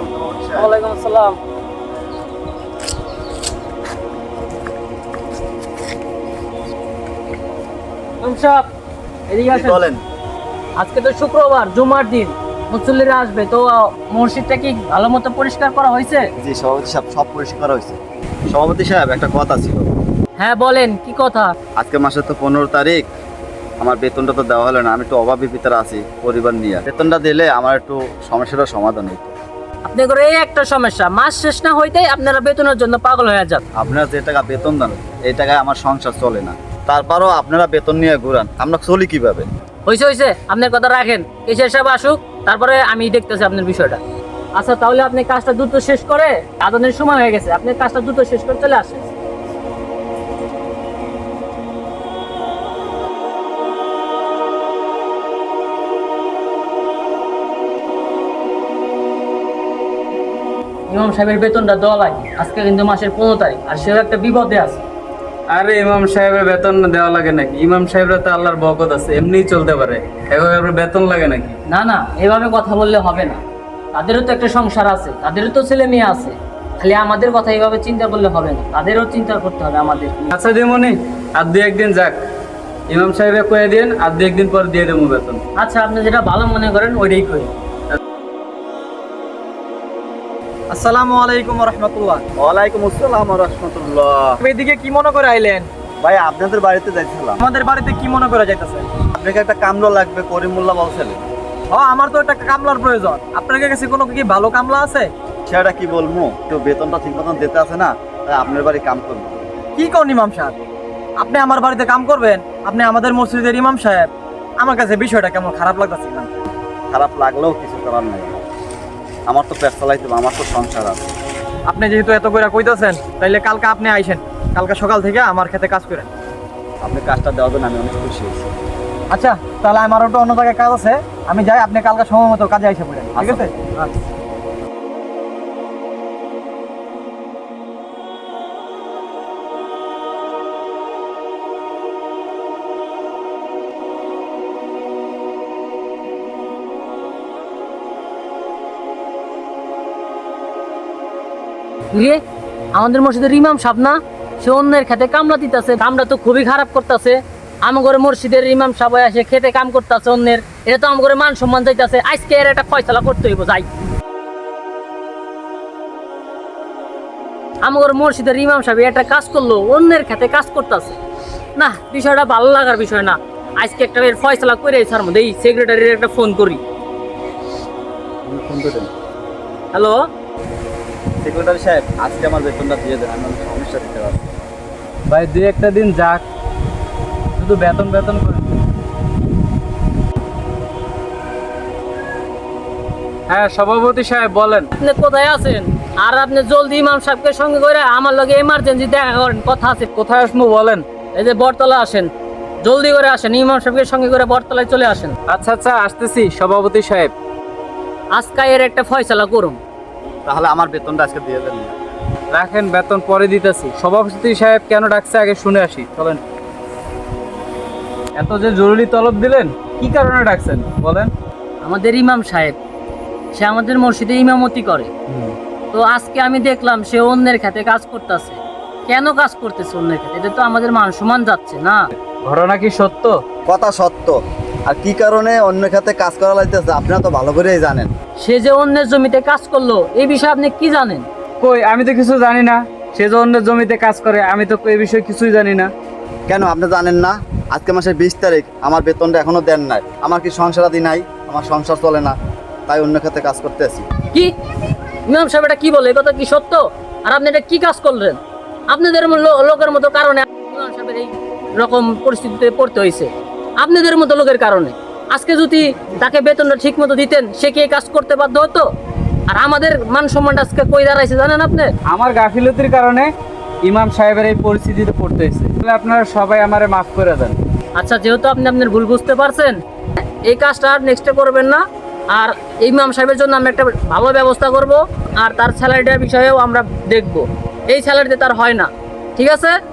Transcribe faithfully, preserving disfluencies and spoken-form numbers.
আলাইকুম সভাপতি সাহেব। ওয়ালাইকুম আসসালাম। ইমাম সাহেব, এদিকে জি, আসেন। বলেন। আজকে তো শুক্রবার, জুমার দিন, মুসল্লিরা আসবে, তো মসজিদটা কি ভালো মতো পরিষ্কার করা হয়েছে? জি সভাপতি সাহেব, সব পরিষ্কার করা হয়েছে। সভাপতি সাহেব, একটা কথা ছিল। হ্যাঁ বলেন, কি কথা? আজকে মাসের তো পনেরো তারিখ, আমার বেতনটা তো দেওয়া হলো না। আমি একটু অভাবী ভিতরে আছি পরিবার নিয়ে। বেতনটা দিলে আমার একটু সমস্যাটার সমাধান হইতো। আপনি করে এই একটা সমস্যা, মাস শেষ না হইতেই আপনারা বেতনের জন্য পাগল হয়ে যান। আপনারা যে টাকা বেতন দেন, এই টাকায় আমার সংসার চলে না। তারপরও আপনারা বেতন নিয়ে ঘুরান, আমরা চলি কিভাবে? হয়েছে হয়েছে, আপনার কথা রাখেন। কেশিয়ার সাহেব আসুক, তারপরে আমি দেখতেছি আপনার বিষয়টা। আচ্ছা, তাহলে আপনি কাজটা দ্রুত শেষ করে, আদানের সময় হয়ে গেছে, আপনি কাজটা দ্রুত শেষ করে চলে আসেন। ইমাম সাহেবের বেতনটা দেওয়া লাগে। আজকে কিন্তু মাসের পনেরো তারিখ, আর সেও একটা বিপদে আছে। আরে ইমাম সাহেবের বেতন দেওয়া লাগে নাকি? ইমাম সাহেবরা তো আল্লাহর বরকত আছে, এমনিই চলতে পারে। এভাবে আপনার বেতন লাগে নাকি? না না, এভাবে কথা বললে হবে না। তাদেরও তো একটা সংসার আছে, তাদেরও তো ছেলে মেয়ে আছে। খালি আমাদের কথা এইভাবে চিন্তা করলে হবে না, তাদেরও চিন্তা করতে হবে আমাদের। আচ্ছা দিমনি, আর দুই একদিন যাক, ইমাম সাহেবে কয়ে দিন, আর দুই একদিন পর দিয়ে দেবো বেতন। আচ্ছা, আপনি যেটা ভালো মনে করেন ওইটাই করি। আসসালামু আলাইকুম রহমতুল্লাহ। ওয়ালাইকুম আসসালাম রহমতুল্লাহ। এদিকে কি মনে করে আইলেন? ভাই, আপনাদের বাড়িতে যাইছিলাম। আমাদের বাড়িতে কি মনে করে যাইতেছে? আপনাকে একটা কামলা লাগবে, করিমুল্লাহ বলছিলেন। ও, আমার তো একটা কামলার প্রয়োজন। আপনার কাছে কোনো কি ভালো কামলা আছে? সেটা কি বলবো, তো বেতনটা ঠিক মতন দিতে আছে না, তাই আপনার বাড়ি কাম করবো। কি কোন ইমাম সাহেব, আপনি আমার বাড়িতে কাম করবেন? আপনি আমাদের মসজিদের ইমাম সাহেব। আমার কাছে বিষয়টা কেমন খারাপ লাগতেছে। খারাপ লাগলেও কিছু করার নাই। আমার তো পেট চালাইতে হবে, আমার তো সংসার আছে। আপনি যেহেতু এত করে কইতাছেন, তাইলে কালকে আপনি আইসেন। কালকে সকাল থেকে আমার খেতে কাজ করেন। আপনি কাজটা দেওয়ার জন্য আমি অনেক খুশি হয়েছি। আচ্ছা, তাহলে আমার ওটা অন্য জায়গায় কাজ আছে, আমি যাই। আপনি কালকে সময় মতো কাজে আইসে পড়েন, ঠিক আছে? আচ্ছা। রে, আমাদের মসজিদের ইমাম সাহেব না, সে অন্যের খেতে কামলা দিতেছে। কামটা তো খুবই খারাপ করতেছে। আমার মসজিদের ইমাম সাহেব এসে খেতে কাম করতেছে অন্যের, এটা তো আমার মান সম্মান যাইতেছে। আজকে এর একটা ফয়সালা করতে হইব, যাই। আমার মসজিদের ইমাম সাহেব একটা কাজ করলো, অন্যের খেতে কাজ করতেছে না। বিষয়টা ভালো লাগার বিষয় না। আজকে একটা এর ফয়সালা করে স্যার মধ্যে এই সেক্রেটারির একটা ফোন করি। ফোন করেন। হ্যালো সেক্রেটারি সাহেব, আজকে আমার বেতনটা দিয়ে দেন, আমি অনেক সমস্যা দিতে পারছি। ভাই দুই একটা দিন যাক, শুধু বেতন বেতন করে। হ্যাঁ সভাপতি সাহেব বলেন। আপনি কোথায় আছেন? আর আপনি জলদি ইমাম সাহেবকে সঙ্গে করে আমার লগে এমার্জেন্সি দেখা করেন, কথা আছে। কোথায় আসবো বলেন? এই যে বটতলা আসেন, জলদি করে আসেন। ইমাম সাহেবকে সঙ্গে করে বটতলায় চলে আসেন। আচ্ছা আচ্ছা, আসতেছি সভাপতি সাহেব। আজকে এর একটা ফয়সালা করুন। তাহলে আমার বেতনটা আজকে দিয়ে দেন। রাখেন, বেতন পরে দিতেছি। সভাপতি সাহেব কেন ডাকছে আগে শুনে আসি, চলেন। এত যে জরুরি তলব দিলেন, কি কারণে ডাকছেন বলেন? আমাদের ইমাম সাহেব, সে আমাদের মসজিদে ইমামতি করে। তো আজকে আমি দেখলাম সে অন্যের খেতে কাজ করতেছে। কেন কাজ করতেছে অন্যের খেতে? এটা তো আমাদের মান সম্মান যাচ্ছে না। ঘটনা কি সত্য? কথা সত্য। আর কি কারণে অন্য খাতে কাজ করা লাগতেছে আপনারা তো ভালো করেই জানেন। সে যে অন্যের জমিতে কাজ করলো, এই বিষয়ে আপনি কি জানেন? কই, আমি তো কিছু জানি না। সে যে অন্যের জমিতে কাজ করে, আমি তো এই বিষয়ে কিছুই জানি না। কেন আপনি জানেন না? আজকে মাসের বিশ তারিখ, আমার বেতনটা এখনো দেন নাই। আমার কি সংসারাদি নাই? আমার সংসার চলে না, তাই অন্য খাতে কাজ করতে আছি। কি ইমাম সাহেব এটা কি বলে? এই কথা কি সত্য? আর আপনি এটা কি কাজ করলেন? আপনাদের লো- লোকের মতো কারণে ইমাম সাহেবের এই রকম পরিস্থিতিতে পড়তে হয়েছে। আপনাদের মতো লোকের কারণে। আজকে যদি তাকে বেতনটা ঠিক মতো দিতেন, সে কি এই কাজ করতে বাধ্য হতো? আর আমাদের মান সম্মানটা আজকে কই দাঁড়াইছে জানেন আপনি? আমার গাফিলতির কারণে ইমাম সাহেবের এই পরিস্থিতিতে পড়তে হয়েছে। তাহলে আপনারা সবাই আমারে মাফ করে দেন। আচ্ছা, যেহেতু আপনি আপনার ভুল বুঝতে পারছেন, এই কাজটা আর নেক্সটে করবেন না। আর ইমাম সাহেবের জন্য আমরা একটা ভালো ব্যবস্থা করব, আর তার স্যালারিটার বিষয়েও আমরা দেখব। এই স্যালারিতে তার হয় না, ঠিক আছে?